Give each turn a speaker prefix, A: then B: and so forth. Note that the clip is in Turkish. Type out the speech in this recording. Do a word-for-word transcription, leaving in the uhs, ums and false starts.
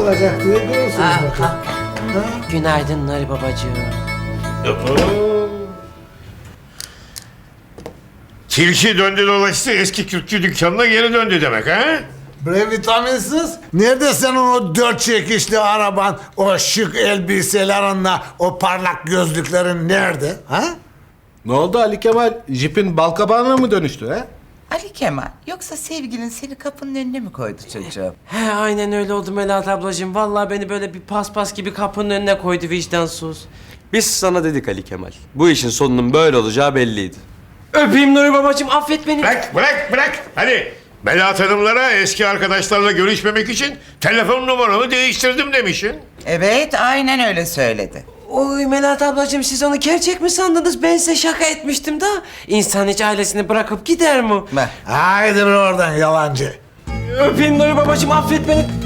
A: olacak diye görürsünüz
B: Ha,
A: bakalım.
B: ha.
A: Ha?
B: Günaydın Nuri babacığım.
C: Tilki döndü dolaştı eski kürkçü dükkanına geri döndü demek ha?
A: Bre vitaminsiz. Nerede senin o dört çekişli araban, o şık elbiselerinle, o parlak gözlüklerin nerede? Ha?
D: Ne oldu Ali Kemal? Jipin balkabağına mı dönüştü ha?
E: Ali Kemal, yoksa sevgilin seni kapının önüne mi koydu çocuğum?
B: He aynen öyle oldu Melahat ablacığım. Vallahi beni böyle bir paspas gibi kapının önüne koydu vicdansız.
F: Biz sana dedik Ali Kemal. Bu işin sonunun böyle olacağı belliydi.
B: Öpeyim Nuri babacığım, affet beni.
C: Bırak bırak bırak hadi. Melahat Hanımlara eski arkadaşlarla görüşmemek için telefon numaramı değiştirdim demişsin.
E: Evet, aynen öyle söyledi.
B: Oy Melahat ablacığım, siz onu gerçek mi sandınız? Ben size şaka etmiştim da. İnsan hiç ailesini bırakıp gider mi?
E: Bak,
A: Haydi bre oradan yalancı.
B: Öpeyim Nuri babacığım, affet beni.